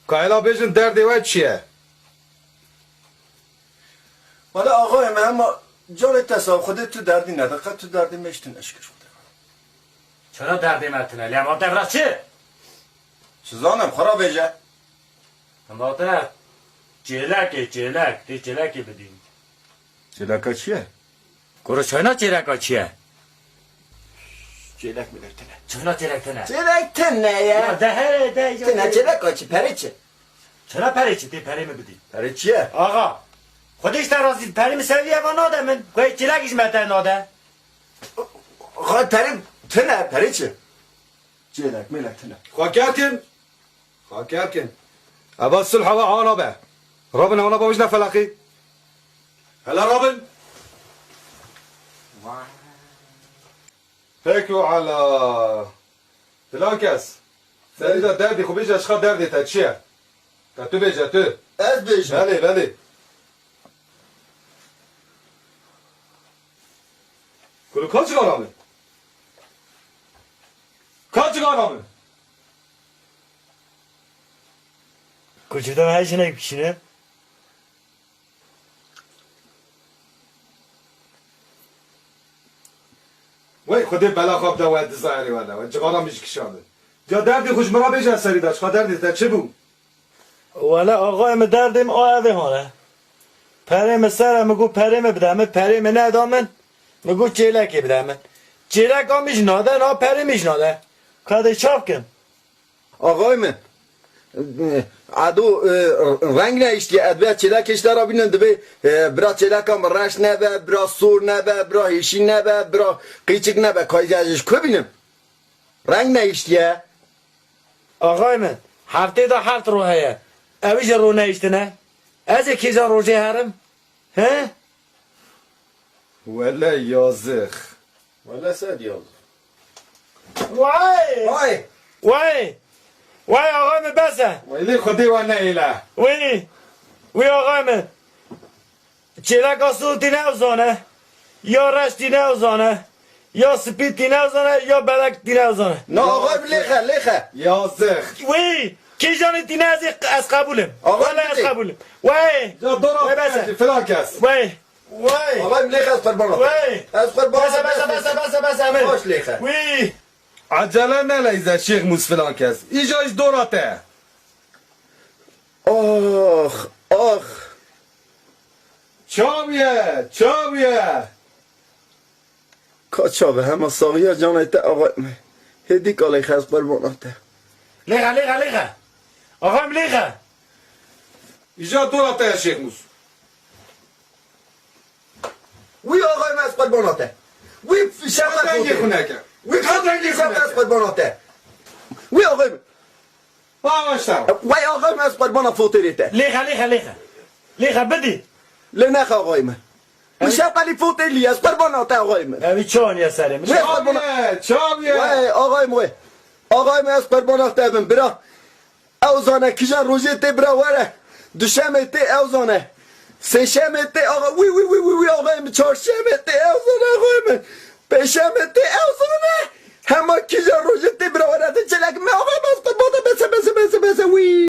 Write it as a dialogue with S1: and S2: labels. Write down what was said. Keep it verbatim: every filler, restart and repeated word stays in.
S1: کایلا بیشن دردی و چیه؟
S2: والا آقای من اما جان تصاب خودت تو دردی ندقیقه تو دردی میشتن اشکش بوده.
S3: چرا دردی متنه؟ لیما دفرا چی؟
S2: سوزانم خراب ایجا.
S3: اما تا چیلکی چیلک دی چیلکی بدیم.
S2: چیلکا چیه؟
S3: گروه چاینا چیلکا چیه؟
S2: چیلک میلکتنه.
S3: چاینا چیلک تنه؟
S2: چیلک تنه یا؟
S3: ده ده
S2: تنه چیلکا چی؟ پری چه؟
S3: چرا پری چی؟ دی پری می بدیم.
S2: پری چیه؟
S3: آقا خودش در رازی پری می سویه و ناده من کوی چیلکش متن ناده.
S2: آقا پری تنه پری چه؟ چیلک میلکتنه.
S1: خاکرکن خاکرکن ابا الصلح و عانا به رابن عانا با وجنا فلاقي هلا رابن فكروا على فلانكس سيدا دردي خو بيجي اشخاص دردي تاتشيا تاتو بيجي تو
S2: از بیش.
S1: بله بله كل كاتش غرامه كاتش غرامه
S3: کجا هیچ نمیشه؟
S1: وای خودی بلا خواب دواد زایری ولی و جگارا میش کشانده جا دردی خوش مرا بیش از سری داشت خواهد دردی تا چه بود؟
S3: ولی آقای من دردیم آوه هانه پریم سر مگو پریم بدم پریم ندامن مگو چیلکی بدم چیلک ها میشناده نا پریم میشناده کاده چاپ کن
S2: آقای من عدو رنگ نیشتی ادبیات چیلکش دارا بینن دبی برا چیلکم رش نبه برا سور نبه برا هیشی نبه برا قیچک نبه کایجاجش کو بینم رنگ نیشتیه
S3: آقای من هفته دا هفت روحه اویش رو نیشتنه از کیزا روزه هرم ها
S1: ولا یازخ
S2: ولا ساد یاز
S3: وای
S2: وای
S3: وای وای آقای من بسه
S1: ولی خودی و نیله
S3: وی وی آقای من چیلک آسول دی نوزانه یا رش دی نوزانه یا سپید دی نوزانه یا بلک دی نوزانه
S2: نه آقای لیخه لیخه
S1: یازخ
S3: وی کی جانی دی نوزی از قبولم
S2: آقای
S3: ولی از
S2: بدی.
S3: قبولم وی
S1: جا دورا
S3: وی بسه
S1: فلان کس
S3: وی وی
S2: آقای لیخه از قربان
S3: وی
S2: از قربان
S3: بسه بسه بسه بسه بسه امیر
S2: باش لیخه
S3: وی
S1: عجله نلیزه شیخ موس فلان کس ایجاش دوراته
S2: آخ آخ
S1: چاویه چاویه
S2: کاچا به همه ساقیه جانیت آقای من هدی که لیخه از قرباناته
S3: لیخه لیخه لیخه آقایم لیخه
S1: ایجا دوراته شیخ موس
S2: وی آقای من از قرباناته وی شرط
S1: تنگی خونه که
S2: وی تنگی شرط از قرباناته وی آقای من
S1: باوشتم
S2: وی آقای من از قربان فوتریته
S3: لیخه لیخه لیخه لیخه بدی
S2: لنخ آقای من وی شرط فوتری از قرباناته آقای من
S3: اوی چون یا سرم
S1: چاویه چاویه
S2: وی آقای من آقای من از قرباناته بم برا اوزانه کجا روزه تی برا وره دوشمه تی اوزانه سهشنبه تی آقا وی وی وی وی وی آقای من چهارشنبه تی اوزانه آقای من پنجشنبه تی اوزانه همه کجا روزه تی برا وره چلک من آقای من از قرباناته بسه بسه بسه بسه وی